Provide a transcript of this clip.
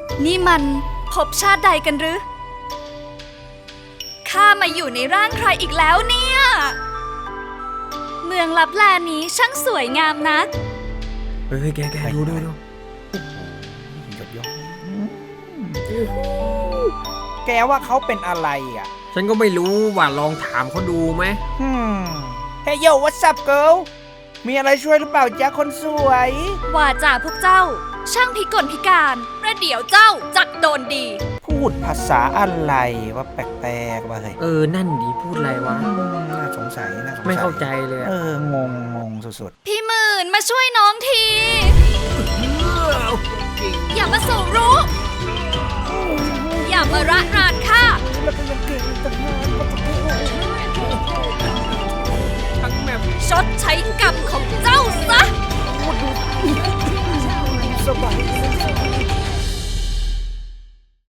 นี่มันภพชาติใดกันหรือข้ามาอยู่ในร่างใครอีกแล้วเนี่ยเมืองลับแลนี้ช่างสวยงามนักเฮ้ยแกดูยอดยอดแกว่าเขาเป็นอะไรอ่ะฉันก็ไม่รู้ว่าลองถามเขาดูไหมเฮ้ยโย่ what's up girl มีอะไรช่วยหรือเปล่าจ๊ะคนสวยว่าจ่าพวกเจ้าช่างพิกลพิการประเดี๋ยวเจ้าจักโดนดีพูดภาษาอะไรว่าแปลกๆว่าเฮ้ยนั่นดีพูดอะไรวะน่าสงสัยไม่เข้าใจเลยงงสุดๆพี่หมื่นมาช่วยน้องทีอย่ามาสู่รู้อย่ามาระรานข้าชดใช้กรรมของเจ้าซะสบาย